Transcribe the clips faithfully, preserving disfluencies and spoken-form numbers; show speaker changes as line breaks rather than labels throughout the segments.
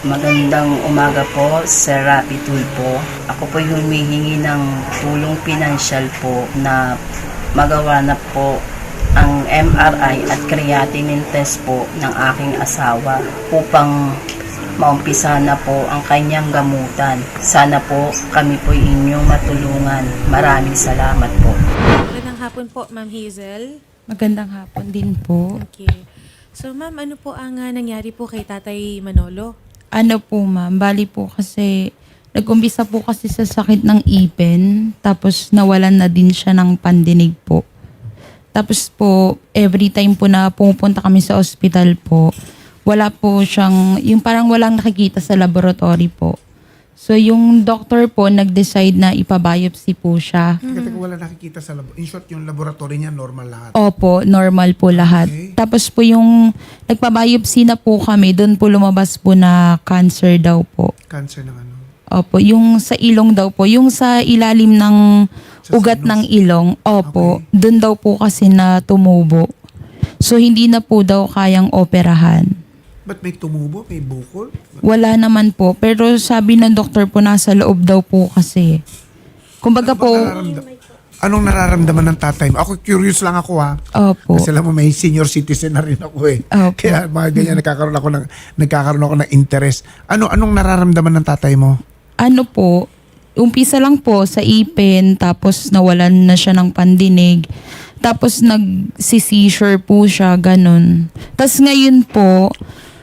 Magandang umaga po, Sir Rapi Tulfo. Ako po humihingi ng tulong pinansyal po na magawa na po ang M R I at creatinine test po ng aking asawa upang maumpisa na po ang kanyang gamutan. Sana po kami po inyong matulungan. Maraming salamat po.
Magandang hapon po, Ma'am Hazel.
Magandang hapon din po.
Okay. So, Ma'am, ano po ang uh, nangyari po kay Tatay Manolo?
Ano po ma'am, bali po kasi nag-umpisa po kasi sa sakit ng ipin, tapos nawalan na din siya ng pandinig po. Tapos po, every time po na pumupunta kami sa ospital po, wala po siyang, yung parang walang nakikita sa laboratory po. So yung doctor po nag-decide na ipabiopsy po siya.
Teka, teka, wala nakikita sa labo. In short, yung laboratory niya, normal lahat.
Opo, normal po lahat.
Okay.
Tapos po yung nagpabiopsy na po kami, doon po lumabas po na cancer daw po.
Cancer ng ano.
Opo, yung sa ilong daw po, yung sa ilalim ng
Sa
ugat
sinus?
ng ilong, opo,
Okay.
doon daw po kasi na tumubo. So hindi na po daw kayang operahan.
Ba't may tumubo? May bukol?
Wala naman po, pero sabi ng doktor po nasa loob daw po kasi. Kumbaga
Ano bang
po,
nararamdam- Anong nararamdaman ng tatay mo? Ako curious lang ako ha.
opo.
Kasi alam mo, may senior citizen na rin ako eh.
Opo.
Kaya mga ganyan, nagkakaroon ako ng, nagkakaroon ako ng interest. Ano, anong nararamdaman ng tatay mo?
Ano po, umpisa lang po sa ipin, tapos nawalan na siya ng pandinig, tapos nag-seizure po siya, ganun. Tapos ngayon po,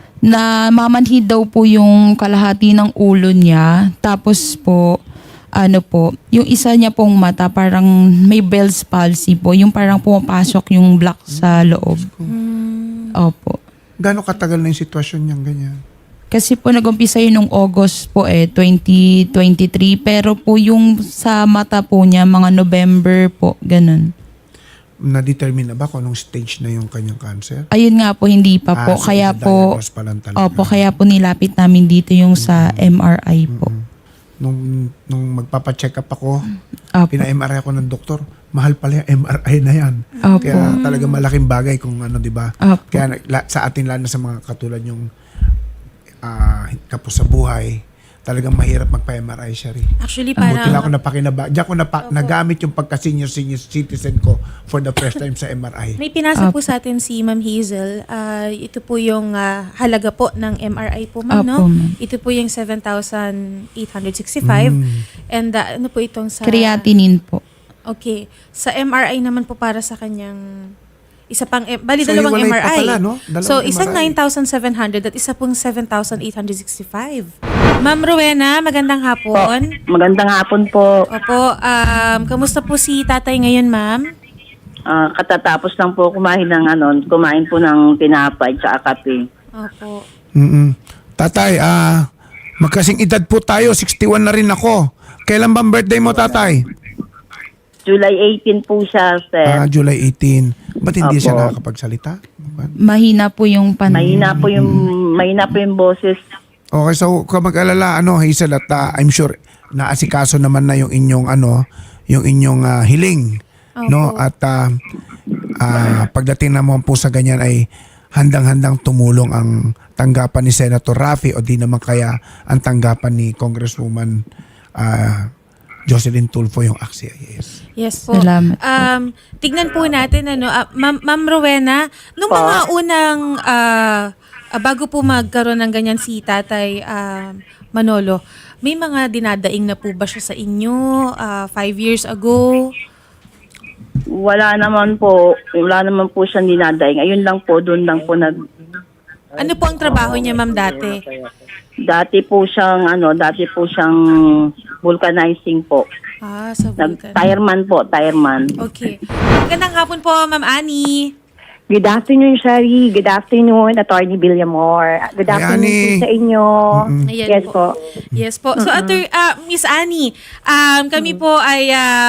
na mamanhid daw po yung kalahati ng ulo niya, tapos po, ano po, yung isa niya pong mata, parang may Bell's palsy po, yung parang pumapasok yung black sa loob. Opo.
Gano'ng katagal na yung sitwasyon niyang ganyan?
Kasi po nag-umpisa yun nung August po eh, twenty twenty-three. Pero po yung sa mata po niya, mga November po, ganun.
Na-determine na ba kung anong stage na yung kanyang cancer?
Ayun nga po, hindi pa po.
Ah, so
kaya po,
i-diagnose pa lang talaga.
opo, kaya po nilapit namin dito yung sa M R I po.
Nung, nung magpapacheck up ako,
Opo.
pina-M R I ako ng doktor, mahal pala yung M R I na yan.
Opo.
Kaya talaga malaking bagay kung ano, di ba?
Opo.
Kaya la- sa atin, lalo na sa mga katulad yung uh, kapos sa buhay, talagang mahirap magpa-M R I siya rin.
Actually,
Buti lang
parang...
ako napakinaba. Diyan ako napa- nagamit yung pagka-senior senior citizen ko for the first time sa M R I.
May pinasa po sa atin si Ma'am Hazel. Ah, ito po yung ah, halaga po ng M R I po, Ma'am,
Opo,
no?
ma'am.
Ito po yung seven thousand eight hundred sixty-five.
Mm.
And ah, ano po itong sa...
Creatinine po.
Okay. Sa M R I naman po para sa kanyang... Isa pang, M- bali
So,
dalawang
hiwalay
M R I.
pa pala, no? Dalawang
So, isang
M R I.
nine thousand seven hundred at isa pong seven thousand eight hundred sixty-five. Ma'am Rowena, magandang hapon.
Magandang hapon po.
Opo, um, kamusta po si tatay ngayon, ma'am?
Ah, katatapos lang po kumain ng ano, kumain po ng tinapay at kape.
Opo.
Mm-mm. Tatay, ah, magkasing edad po tayo, sixty-one na rin ako. Kailan bang birthday mo, tatay?
July eighteen po siya, sir.
Ah, July eighteen. Ba't hindi
Opo.
siya nakakapagsalita?
Mahina po yung pan...
Mahina po yung mahina po yung boses.
Okay, so kung mag-alala, ano, Hazel, at ah, I'm sure naasikaso naman na yung inyong, ano, yung inyong ah, hiling. No? At ah, ah, pagdating naman po sa ganyan ay handang-handang tumulong ang tanggapan ni Senator Raffy o di naman kaya ang tanggapan ni Congresswoman ah, Jocelyn Tulfo yung A C C I S.
Yes po.
Salamat po.
Um, tignan po natin, ano, ah, Ma'am, Ma'am Rowena, nung
Po.
mga unang, ah, ah, bago po magkaroon ng ganyan si Tatay ah, Manolo, may mga dinadaing na po ba siya sa inyo ah, five years ago?
Wala naman po, wala naman po siyang dinadaing. Ayun lang po, doon lang po nag
Ano po ang trabaho niya, Ma'am, dati?
dati po siyang ano, dati po siyang vulcanizing po.
Ah, sa
Nag
Vulcan.
tireman po, tireman.
Okay. Magandang hapon po, Ma'am Annie.
Good afternoon, Shari. Good afternoon, Attorney Villamor. Good
Hi,
afternoon
Annie.
po sa inyo.
Ayan
Yes po.
Yes po. So, Atter, ah, Miss Annie, um, kami po ay um,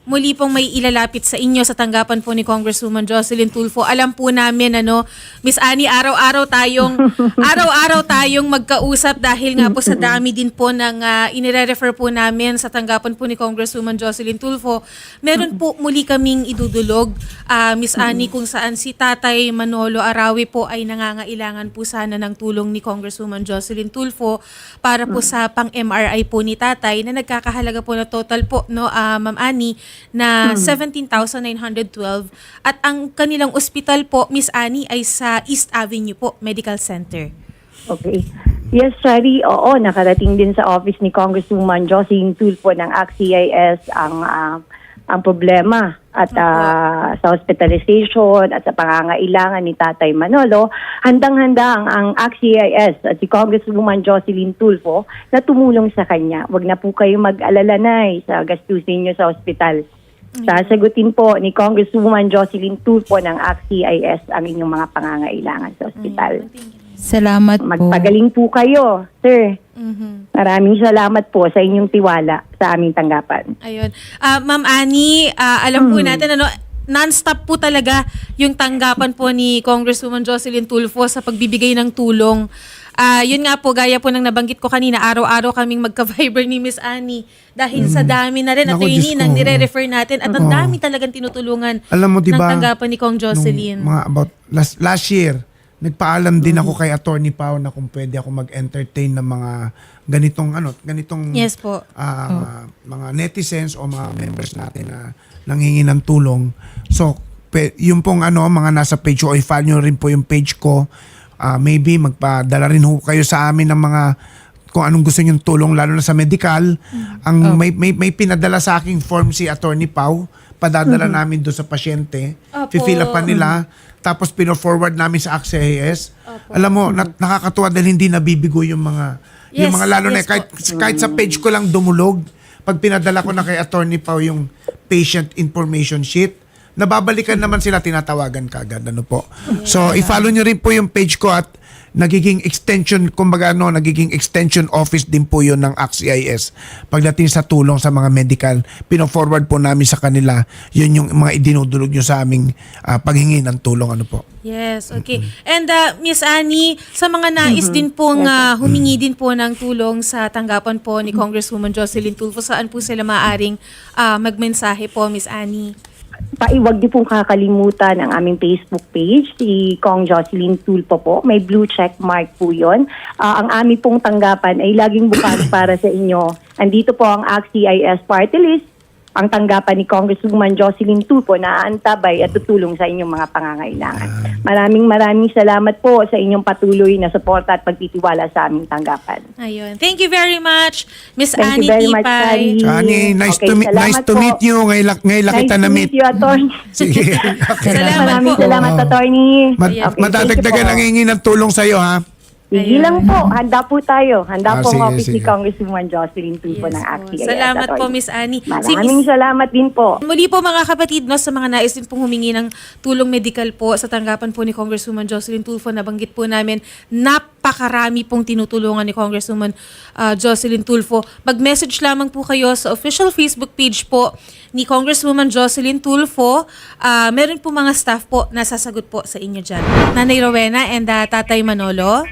muli pong may ilalapit sa inyo sa tanggapan po ni Congresswoman Jocelyn Tulfo. Alam po namin, ano, Miss Annie, araw-araw tayong, araw-araw tayong magkausap dahil nga po sa dami din po ng uh, inire-refer po namin sa tanggapan po ni Congresswoman Jocelyn Tulfo. Meron po muli kaming idudulog, uh, Miss Annie, kung saan si Tatay Manolo Arawi po ay nangangailangan po sana ng tulong ni Congresswoman Jocelyn Tulfo para po sa pang-M R I po ni Tatay na nagkakahalaga po na total po, no, uh, Ma'am Annie, na seventeen thousand nine hundred twelve at ang kanilang ospital po, Miss Annie, ay sa East Avenue po, Medical Center.
Okay. Yes, Shari, oo, nakarating din sa office ni Congresswoman Jocelyn Tulfo ng A C C I S ang ah, ang problema at ah, sa hospitalization at sa pangangailangan ni Tatay Manolo. Handang-handa ang, ang A C C I S at si Congresswoman Jocelyn Tulfo na tumulong sa kanya. Huwag na po kayo mag-alala na sa gastusin niyo sa ospital. Sasagutin po ni Congresswoman Jocelyn Tulfo ng A C C I S ang inyong mga pangangailangan sa ospital.
Salamat po.
Magpagaling po kayo, sir.
Mhm.
Maraming salamat po sa inyong tiwala sa aming tanggapan.
Ayun. Ah, Ma'am Annie, ah, alam po natin, ano, non-stop po talaga yung tanggapan po ni Congresswoman Jocelyn Tulfo sa pagbibigay ng tulong. Ah, yun nga po, gaya po ng nabanggit ko kanina, araw-araw kaming magka-Viber ni Miss Annie dahil sa dami na rin at
Naku, Diyos
yun
ko.
ang nire-refer natin at ang
Oo.
dami talagang tinutulungan
Alam mo, di
ng
ba,
tanggapan ni Kong Jocelyn.
nung mga about last, last year, nagpaalam din ako kay Attorney Pao na kung pwede ako mag-entertain ng mga ganitong ano, ganitong
Yes po.
ah, mga netizens o mga members natin na nanghingi ng tulong. So, pe, yung pong ano, mga nasa page ko, i-follow nyo rin po yung page ko. Ah, maybe magpadala rin ho kayo sa amin ng mga kung anong gusto nyong tulong, lalo na sa medical. Ang may, may, may pinadala sa aking form si Attorney Pao, padadala namin doon sa pasyente.
Opo.
Fifill up pa nila. Tapos pino-forward namin sa A C C I S. Alam mo, na, nakakatuwa dahil hindi nabibigo yung mga yung
Yes,
mga lalo na
yes
kahit kahit sa page ko lang dumulog, pag pinadala ko na kay Attorney Pao yung patient information sheet, nababalikan naman sila, tinatawagan kagad, ano po. So, i-follow nyo rin po yung page ko at nagiging extension, kumbaga ano, nagiging extension office din po yun ng A C C I S. Pagdating sa tulong sa mga medical, pino-forward po namin sa kanila, yun yung mga idinudulog nyo sa aming ah, paghingi ng tulong, ano po.
Yes, okay. And uh, Miss Annie, sa mga nais din pong uh, humingi din po ng tulong sa tanggapan po ni Congresswoman Jocelyn Tulfo, saan po sila maaring uh, magmensahe po, Miss Annie?
Paiwag niyo pong kakalimutan ang aming Facebook page, si Kong Jocelyn Tulfo po. May blue check mark po yun. Ah, ang aming pong tanggapan ay laging bukas para sa inyo. Andito po ang A C C I S party list, ang tanggapan ni Congresswoman Jocelyn Tulfo na aantabay at tutulong sa inyong mga pangangailangan. Maraming maraming salamat po sa inyong patuloy na suporta at pagtitiwala sa aming tanggapan.
Ayun. Thank you very much, Miss
Thank
Annie
you very much,
Tipay.
Shari.
Chani, nice
Okay,
to meet
salamat
nice to
po.
meet you. Ngayon, lang- ngayon lang
Nice
kita
to
na meet.
meet you, attorney.
Sige. Okay.
Salamat
Maraming
po.
salamat,
Oo.
attorney.
Mad-
Ayan.
Okay,
madadagdagan
thank you
ang
po.
hingi ng tulong sa iyo, ha?
Sige lang po. Handa po tayo.
Ah,
Handa po ang
sige,
office ni
sige.
Congresswoman Jocelyn Tulfo
Yes
ng A C
po.
C I S.
Salamat po,
attorney.
Miss Annie. Si
Maraming
Miss-
salamat din po.
Muli po mga kapatid, no, sa mga nais din pong humingi ng tulong medical po sa tanggapan po ni Congresswoman Jocelyn Tulfo, nabanggit po namin, napakarami pong tinutulungan ni Congresswoman uh, Jocelyn Tulfo. Mag-message lamang po kayo sa official Facebook page po ni Congresswoman Jocelyn Tulfo. Uh, meron po mga staff po na sasagot po sa inyo dyan. Nanay Rowena and uh, Tatay Manolo.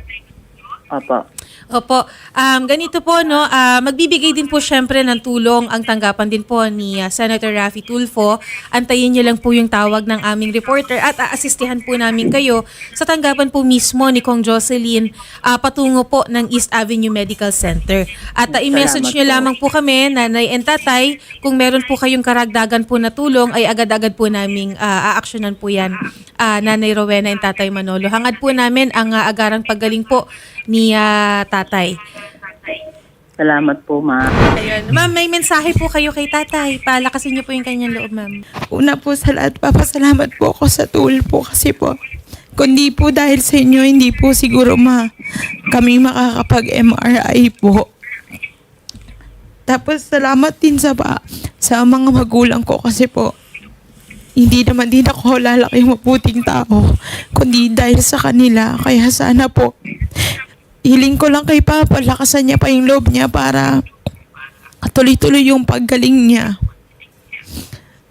Opo.
Opo. Um, ganito po, no, ah, magbibigay din po syempre ng tulong ang tanggapan din po ni ah, Senator Raffy Tulfo. Antayin niyo lang po yung tawag ng aming reporter at aasistihan po namin kayo sa tanggapan po mismo ni Kong Jocelyn ah, patungo po ng East Avenue Medical Center. At ah, i-message
Salamat
niyo
po.
lamang po kami, Nanay and Tatay, kung meron po kayong karagdagan po na tulong ay agad-agad po naming ah, aaksyonan po yan, ah, Nanay Rowena and Tatay Manolo. Hangad po namin ang ah, agarang paggaling po ni ah, Tatay.
Salamat po, ma'am.
Ayun. Ma'am, may mensahe po kayo kay Tatay. Palakasin niyo po yung kanyang loob, ma'am.
Una po sa lahat, papasalamat po ako sa tool po kasi po, kundi po dahil sa inyo, hindi po siguro ma kami makakapag-M R I po. Tapos salamat din sa pa, sa mga magulang ko kasi po, hindi naman din ako lalaki mabuting tao, kundi dahil sa kanila. Kaya sana po, hiling ko lang kay Papa, lakasan niya pa yung loob niya para tuloy-tuloy yung paggaling niya.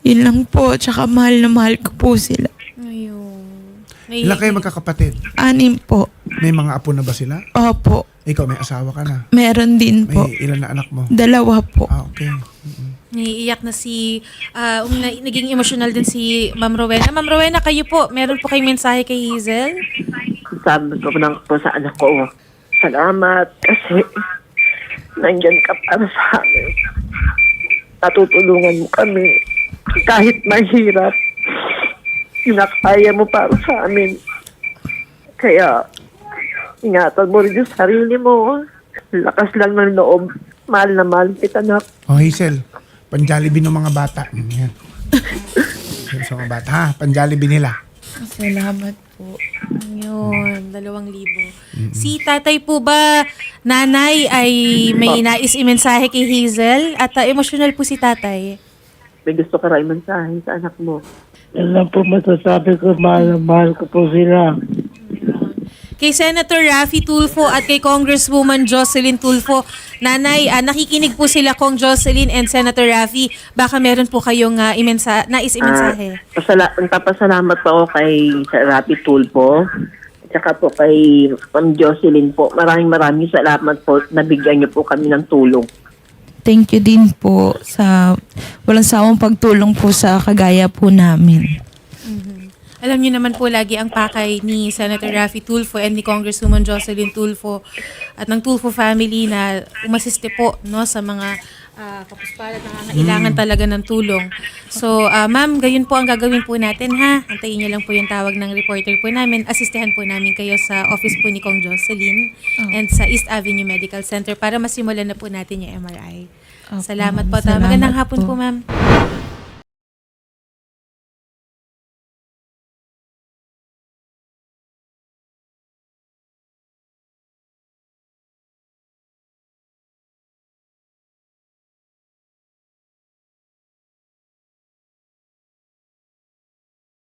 Yun lang po, tsaka mahal na mahal ko po sila.
Ayun.
Ilan kayo magkakapatid?
Anim po.
May mga apo na ba sila?
Opo.
Ikaw, may asawa ka na.
Meron din po.
May ilan na anak mo?
Dalawa po.
Ah, okay.
Naiiyak na si, ah, um, na- naging emotional din si Ma'am Rowena. Ma'am Rowena, kayo po, meron po kayong mensahe kay Hazel?
Sabi ko lang po sa anak ko, salamat kasi nandyan ka para sa amin. Natutulungan mo kami. Kahit mahirap, kinakaya mo para sa amin. Kaya, ingatan mo rin yung sarili mo. Lakas lang ng loob. Mahal na mahal kita, anak.
Oh, Hazel, panjalibi ng mga bata. Yan. Sa mga bata, ha? Panjalibi nila.
Salamat po.
Yun, dalawang libo. Si tatay po ba, nanay, ay may nais imensahe kay Hazel? At ah, emotional po si tatay.
May gusto ka rin mensahe sa anak mo.
Yan lang po masasabi ko, mahal na mahal ko po sila.
Kay Senator Raffy Tulfo at kay Congresswoman Jocelyn Tulfo, nanay, ah, nakikinig po sila Kong Jocelyn and Senator Raffy. Baka meron po kayong uh, imensa, nais imensahe.
Ah, pasala- nagpapasalamat po ako kay Sir Rapi Tulfo at saka po kay Ma'am Jocelyn po. Maraming maraming salamat po. Nabigyan niyo po kami ng tulong.
Thank you din po sa walang sawang pagtulong po sa kagaya po namin.
Alam niyo naman po lagi ang pakay ni Senator Raffy Tulfo and ni Congresswoman Jocelyn Tulfo at ng Tulfo family na umasiste po no sa mga uh, kapusparan na nangangailangan talaga ng tulong. So, ah, ma'am, gayon po ang gagawin po natin ha. Antayin niyo lang po yung tawag ng reporter po namin. Asistehan po namin kayo sa office po ni Kong Jocelyn and sa East Avenue Medical Center para masimulan na po natin yung M R I.
Opo,
Salamat po.
salamat
Magandang hapon po,
po.
ma'am.